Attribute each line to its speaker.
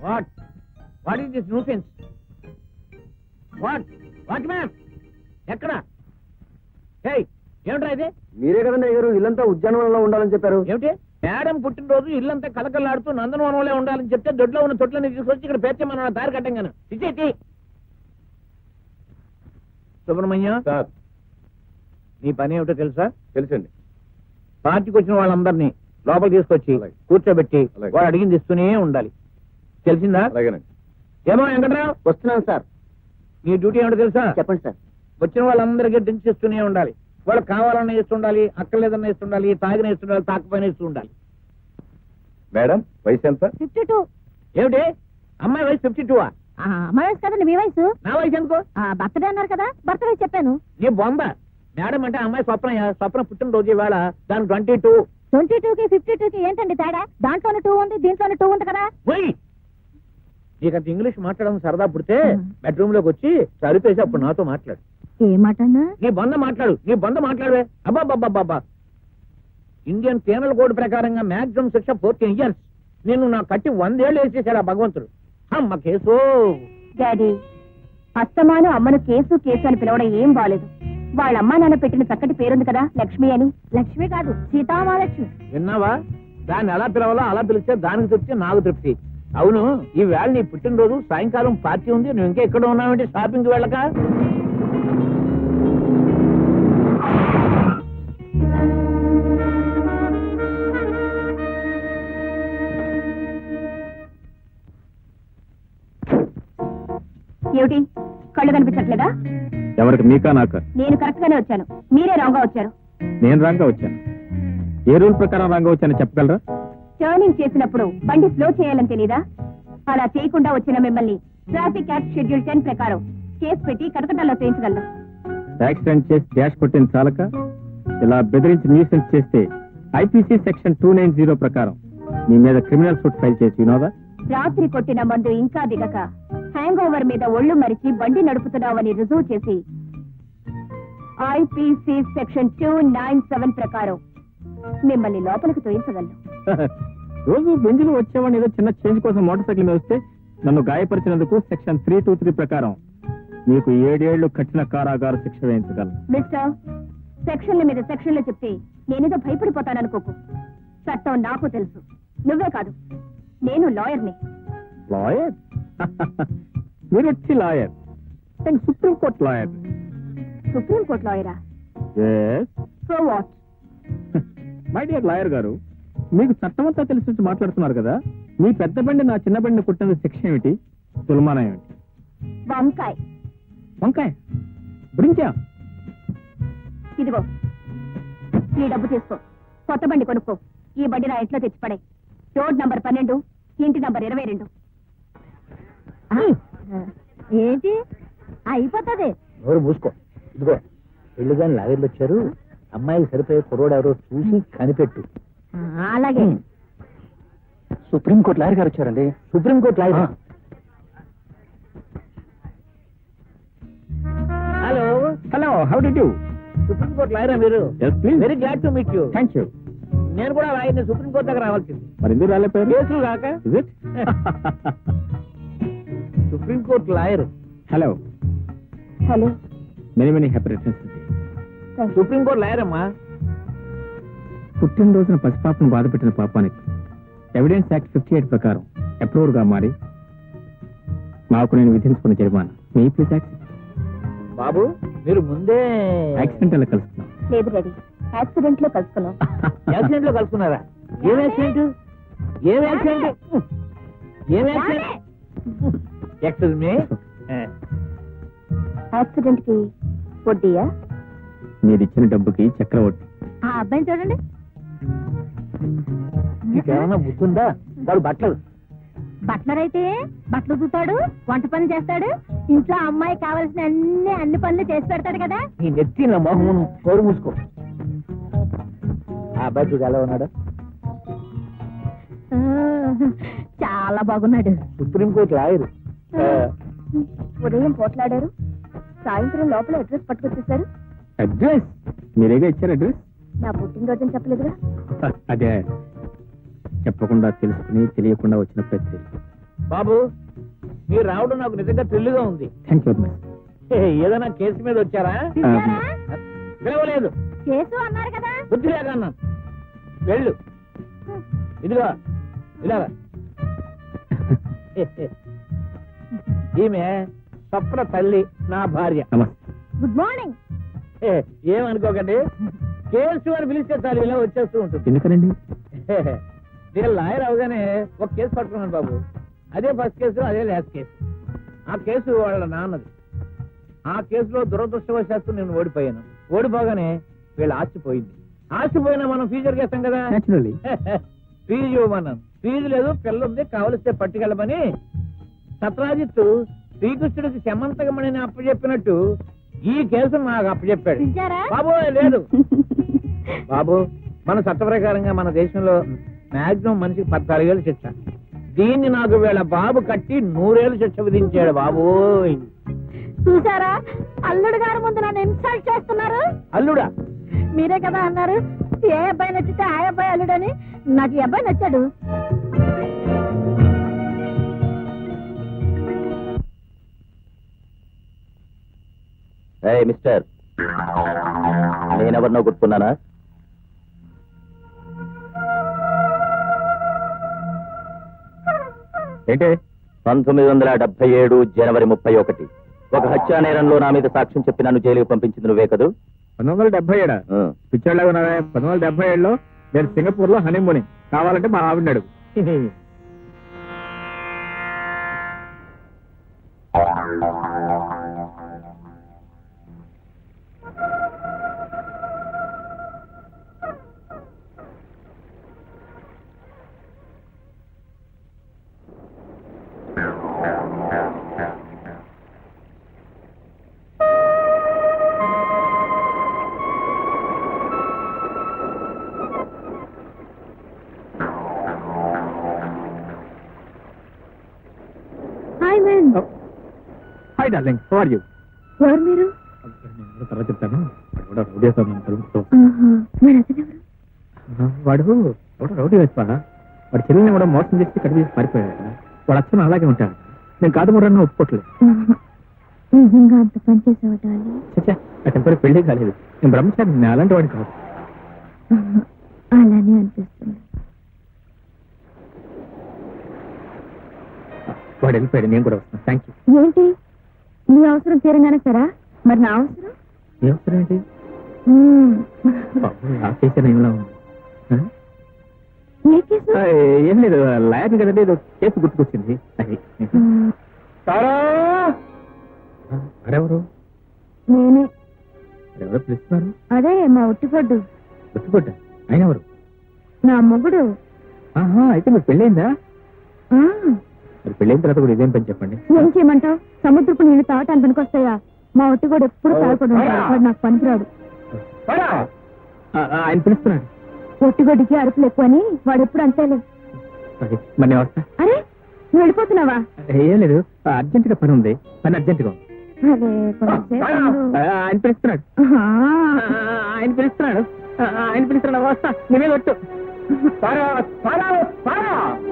Speaker 1: What what is this nuisance? What what ma'am ఎక్కడ? ఏమిట్రా ఇది?
Speaker 2: మీరే కదండి అయ్యారు ఇల్లంతా ఉద్యానవనంలో ఉండాలని చెప్పారు.
Speaker 1: ఏమిటి మేడం పుట్టినరోజు ఇల్లంతా కలకల్లాడుతూ నందనవనంలో ఉండాలని చెప్తే దొడ్లో ఉన్న తొట్లని తీసుకొచ్చి ఇక్కడ పేర్చమన్న దారి కట్టంగాను. ఇచ్చేటి సుబ్రహ్మణ్యం
Speaker 2: సార్
Speaker 1: నీ పని ఏమిటో తెలుసా?
Speaker 2: తెలుసండి.
Speaker 1: పార్టీకి వచ్చిన వాళ్ళందరినీ లోపల తీసుకొచ్చి
Speaker 2: అలాగే.
Speaker 1: కూర్చోబెట్టి
Speaker 2: అలాగే.
Speaker 1: వాడు అడిగింది ఇస్తూనే ఉండాలి. తెలిసిందా?
Speaker 2: అలాగేనండి.
Speaker 1: ఏమో వెంకట్రావు
Speaker 2: వస్తున్నాను సార్.
Speaker 1: నీ డ్యూటీ ఏమిటో తెలుసా?
Speaker 2: చెప్పండి సార్.
Speaker 1: వచ్చిన వాళ్ళందరికీ డ్రింక్స్ ఇస్తూనే ఉండాలి. వాళ్ళకి కావాలన్నా ఇస్తుండాలి, అక్కర్లేదన్నా ఇస్తుండాలి, తాగిన ఇస్తుండాలి, తాకపోయినా ఇస్తూ ఉండాలి.
Speaker 2: మేడం వయసు ఎంత?
Speaker 3: 52.
Speaker 1: ఏమిటి అమ్మాయి వయసు 52?
Speaker 3: అమ్మాయి వయసు కదండి మీ వయసు.
Speaker 1: నా వయసు ఎందుకో?
Speaker 3: బర్త్డే అన్నారు కదా, బర్త్ వయసు చెప్పాను.
Speaker 1: నీ బొంద. మేడం అంటే అమ్మాయి స్వప్న పుట్టినరోజు ఇవాళ. దానికి 22.
Speaker 3: 22కి 52కి ఏంటండి తేడా? దాంట్లోనే 2 ఉంది, దీంట్లోనే 2 ఉంది కదా.
Speaker 1: నీకంత ఇంగ్లీష్ మాట్లాడడం సరదా పుడితే బెడ్రూమ్ లోకి వచ్చి సరిపేసి అప్పుడు నాతో మాట్లాడు.
Speaker 3: ఏ మాటన్నా?
Speaker 1: నీ బొంద మాట్లాడు, నీ బొంద మాట్లాడవే. అబ్బాబ్బాబ్బా, ఇండియన్ పీనల్ కోడ్ ప్రకారంగా మాక్సిమం శిక్ష 14 years. నిన్ను నా కట్టి 100 ఏళ్ళు వేసేసాడు ఆ భగవంతుడు. అమ్మ కేసు.
Speaker 3: డాడీ, అస్తమాను అమ్మను కేసు కేసు అని పిలవడం ఏం బాలేదు. వాళ్ళ అమ్మా నాన్న పెట్టిన చక్కటి పేరుంది కదా, లక్ష్మి అని. లక్ష్మి కాదు, సీతామహాలక్ష్మి.
Speaker 1: విన్నావా? దాన్ని ఎలా పిలవాలో అలా పిలిస్తే దానికి తృప్తి, నాకు తృప్తి. అవును, ఈ వేళ నీ పుట్టినరోజు, సాయంకాలం పార్టీ ఉంది, నువ్వు ఇంకా ఎక్కడ ఉన్నావంటే షాపింగ్కి వెళ్ళక?
Speaker 3: ఏమిటి కళ్ళు కనిపించట్లేదా?
Speaker 2: ఎవరికి, మీకా నాకా?
Speaker 3: నేను కరెక్ట్ గానే వచ్చాను, మీరే రాంగ్ గా వచ్చారు.
Speaker 2: నేను రాంగా వచ్చాను. ఏ రూల్ ప్రకారం రాంగా వచ్చానో చెప్పగలరా?
Speaker 3: టర్నింగ్ చేసినప్పుడు బండి స్లో చేయాలని తెలీదా? అలా చేయకుండా వచ్చిన మిమ్మల్ని ట్రాఫిక్ యాక్ట్ షెడ్యూల్ 10 ప్రకారం కేసు పెట్టి కటకటాల్లో చేయించగలను.
Speaker 2: యాక్సిడెంట్ చేసి డాష్ కొట్టిన చాలక ఇలా బెదిరించి న్యూసెన్స్ చేస్తే ఐపీసీ సెక్షన్ 290 ప్రకారం మీ మీద క్రిమినల్ సూట్ ఫైల్ చేసి వినోదా?
Speaker 3: రాత్రి కొట్టిన మందు ఇంకా దిగక హ్యాంగ్ ఓవర్ మీద ఒళ్ళు మరిచి బండి నడుపుతున్నావని రుజువు చేసి ఐపీసీ సెక్షన్ 297 ప్రకారం మిమ్మల్ని లోపలికి తోయించగలను.
Speaker 2: రోజు బెంజులు వచ్చేవాడిని ఏదో చిన్న చేంజ్ కోసం మోటార్ సైకిల్ మీద వస్తే నన్ను గాయపరిచినందుకు సెక్షన్ 323 ప్రకారం మీకు 7 ఏళ్లు కఠిన కారాగార శిక్ష వేయించగలను.
Speaker 3: మిస్టర్, సెక్షన్ల మీద సెక్షన్లు చెప్తే నేనేదో భయపడిపోతాననుకోకు. చట్టం నాకు తెలుసు, నువ్వే కాదు, నేను లాయర్ని.
Speaker 2: లాయర్? మీరు వచ్చి లాయర్? నేను సుప్రీంకోర్టు లాయర్.
Speaker 3: సుప్రీంకోర్టు లాయరా? So what?
Speaker 2: My dear lawyer garu, మీకు చట్టమంతా తెలిసి వచ్చి మాట్లాడుతున్నారు కదా. మీ పెద్ద బండి నా చిన్న బండిని కుట్టిన శిక్ష ఏమిటి, తులమానం ఏమిటి?
Speaker 3: వంకాయ్.
Speaker 2: వంకాయ బ్రించా?
Speaker 3: ఇదిగో ఈ డబ్బు తీసుకో, కొత్త బండి కొనుక్కో. ఈ బండి నా ఇంట్లో తెచ్చిపడే. రోడ్ నంబర్ 12, ఇంటి నంబర్ 22. ఏంటి అయిపోతుంది?
Speaker 1: ఎవరు మూసుకో. ఇదిగో పెళ్లి కానీ లాగర్లు వచ్చారు, అమ్మాయికి సరిపోయే కుర్రోడు ఎవరో చూసి కనిపెట్టు.
Speaker 3: అలాగే.
Speaker 2: సుప్రీంకోర్టు లాయర్ గారు వచ్చారండి.
Speaker 1: Supreme court lawyer? Hello
Speaker 2: hello, how do you?
Speaker 1: Supreme court లాయరా మీరు?
Speaker 2: Yes, please.
Speaker 1: Very glad to meet you.
Speaker 2: Thank you.
Speaker 1: నేను కూడా లాయర్ని, సుప్రీంకోర్టు దగ్గర రావాల్సింది.
Speaker 2: మరి ఎందుకు రాలేపోయారు?
Speaker 1: కేసులు కాక.
Speaker 2: Is it?
Speaker 1: Supreme court lawyer.
Speaker 2: Hello,
Speaker 3: hello.
Speaker 2: Many happy returns.
Speaker 1: Supreme court lawyer అమ్మా.
Speaker 2: పుట్టినరోజున పసిపాపను బాధపెట్టిన పాపానికి ఎవిడెన్స్ యాక్ట్ 58 ప్రకారం అప్రూవర్ గా మారి నాకు నేను విధించుకున్న జరిమానా మీ ప్లీజ్ యాక్ట్.
Speaker 1: బాబు మీరు ముందే
Speaker 2: యాక్సిడెంట్ అలా కలుస్తున్నాం.
Speaker 3: లేదు రెడీ, యాక్సిడెంట్ లో కలుసుకున్నాం.
Speaker 1: యాక్సిడెంట్ లో కలుసుకున్నారా? ఏం యాక్సిడెంట్? ఏం యాక్సిడెంట్? ఏం యాక్సిడెంట్? Excuse me.
Speaker 3: యాక్సిడెంట్ కి వడ్డీయా?
Speaker 2: మీరు ఇచ్చిన డబ్బుకి చక్రవడ్డీ.
Speaker 3: ఆ అబ్బాయిని చూడండి.
Speaker 1: నీకేమన్నా బుద్ధుందా? వాడు బట్టలు
Speaker 3: బట్లర్ అయితే బట్టలు చూస్తాడు, వంట పని చేస్తాడు, ఇంట్లో అమ్మాయి కావాల్సిన అన్ని పనులు చేసి పెడతాడు కదా.
Speaker 1: నీ నెత్తి నా మొహం కోరు మూసుకో. ఆ అబ్బాయి చూడు ఎలా ఉన్నాడు?
Speaker 3: చాలా బాగున్నాడు.
Speaker 1: Supreme court lawyer.
Speaker 3: ఉదయం పోట్లాడారు, సాయంత్రం లోపల అడ్రస్ పట్టుకొచ్చేసారు.
Speaker 2: అడ్రస్ మీరేగా ఇచ్చారు అడ్రస్?
Speaker 3: నా పుట్టినరోజు చెప్పలేదుగా.
Speaker 2: అదే చెప్పకుండా తెలుసుకుని తెలియకుండా వచ్చిన ప్రతి
Speaker 1: బాబు మీరు రావడం నాకు నిజంగా థ్రిల్గా ఉంది.
Speaker 2: Thank you.
Speaker 1: ఏదైనా కేసు మీద వచ్చారా? పిలవలేదు.
Speaker 3: కేసు అన్నారు కదా.
Speaker 1: బుద్ధి లేక అన్నాను. వెళ్ళు. ఇదిగో ఇలాగా. ఈమె స్వప్న తల్లి, నా భార్య.
Speaker 3: Good morning.
Speaker 1: ఏమనుకోకండి, కేసు అని పిలిస్తే చాలు ఇలా వచ్చేస్తూ ఉంటుంది.
Speaker 2: ఎందుకనండి?
Speaker 1: నేను లాయర్ అవగానే ఒక కేసు పట్టుకున్నాను బాబు. అదే ఫస్ట్ కేసు, అదే లాస్ట్ కేసు. ఆ కేసు వాళ్ళ నాన్నది. ఆ కేసులో దురదృష్టవశాత్తు నేను ఓడిపోయాను. ఓడిపోగానే వీళ్ళ ఆస్తిపోయింది. ఆస్తిపోయినా మనం ఫీజు చేస్తాం కదా. ఫీజు ఇవ్వమన్నాను. ఫీజు లేదు, పిల్ల ఉంది, కావలిస్తే పట్టుకెళ్ళమని సత్రాజిత్తు శ్రీకృష్ణుడికి శమంతకమణిని అప్పచెప్పినట్టు ఈ కేసు నాకు అప్పచెప్పాడు. బాబు లేదు బాబు, మన చట్ట ప్రకారంగా మన దేశంలో మాక్సిమం మనిషికి 14 ఏళ్ళు శిక్ష. దీన్ని నాకు వీళ్ళ బాబు కట్టి 100 ఏళ్ళు శిక్ష విధించాడు బాబు.
Speaker 3: చూసారా, అల్లుడు గారి ముందు నన్ను ఇన్సల్ట్ చేస్తున్నారు.
Speaker 1: అల్లుడా?
Speaker 3: మీరే కదా అన్నారు ఏ అబ్బాయి నచ్చితే ఆ అబ్బాయి అల్లుడని. నాకు ఈ అబ్బాయి నచ్చాడు.
Speaker 4: మిస్టర్, నేనెవరినో గుర్తున్నానా?
Speaker 2: ఏంటి?
Speaker 4: 1977 జనవరి 31 ఒక హత్యా నేరంలో నా మీద సాక్ష్యం చెప్పి నన్ను జైలుకి పంపించింది నువ్వే కదూ?
Speaker 2: 1977 పిచ్చాడుగా ఉన్నారా? 1977లో నేను సింగపూర్ లో హనీమూనింగ్. కావాలంటే మా ఆవిడన్నాడు. Hi darling, how are you?
Speaker 3: ఎవరు మీరు?
Speaker 2: తర్వాత చెప్తాను. రౌడీ వాడు రౌడీ వేస్తా. వాడి చెల్లిని కూడా మోసం చేసి కడిగి పారిపోయాడు. వాడు అచ్చను అలాగే ఉంటాడు. నేను కాదు కూడా ఒప్పుకోట్లేదు.
Speaker 3: నిజంగా అంత పని చేసేవాళ్ళు?
Speaker 2: చచ్చా, అటెంపరీ పెళ్లి కాలేదు. నేను బ్రహ్మచారి, నేను అలాంటి వాడిని కాదు.
Speaker 3: అలానే అనిపిస్తుంది.
Speaker 2: వాడు వెళ్ళిపోయాడు, నేను కూడా వస్తాను. Thank you.
Speaker 3: ఏంటి నీ అవసరం తీరంగానే సరా? మరి నా అవసరం?
Speaker 2: నీ అవసరం ఏంటి? ఆ కేసు ఏమిలా ఉంది? ఏం లేదు, లాయర్ని కదండి, ఏదో కేసు గుర్తుకొచ్చింది. అది అరెవరు?
Speaker 3: నేనే.
Speaker 2: ఎవరో పిలుస్తున్నారు?
Speaker 3: అదే మా ఒట్టిపడ్డు.
Speaker 2: ఒట్టిపడ్డ? ఆయన ఎవరు?
Speaker 3: నా మొగుడు.
Speaker 2: అయితే మీరు పెళ్ళైందా? మరి పెళ్ళైన తర్వాత కూడా ఇదేం పని చెప్పండి.
Speaker 3: ఏం చేయమంటావు? సముద్రపు నీళ్లు తాగటానికి పనికొస్తాయా? మా ఒట్టిగోడు ఎప్పుడు తాగకూడదు. వాడు నాకు పనికిరాడు.
Speaker 2: ఆయన పిలుస్తున్నాడు.
Speaker 3: ఒట్టిగొడ్డికి అరుపులు ఎక్కువ అని వాడు ఎప్పుడు అంతేలే.
Speaker 2: మరి నేను వస్తా.
Speaker 3: అరే నువ్వు వెళ్ళిపోతున్నావా?
Speaker 2: ఏం లేదు, అర్జెంట్ గా పని ఉంది. పని అర్జెంట్ గా ఉంది.
Speaker 3: అదే
Speaker 2: ఆయన పిలుస్తున్నాడు. ఆయన పిలుస్తున్నాడు. ఆయన పిలుస్తున్నాడు. వస్తా, నేనే కొట్టు.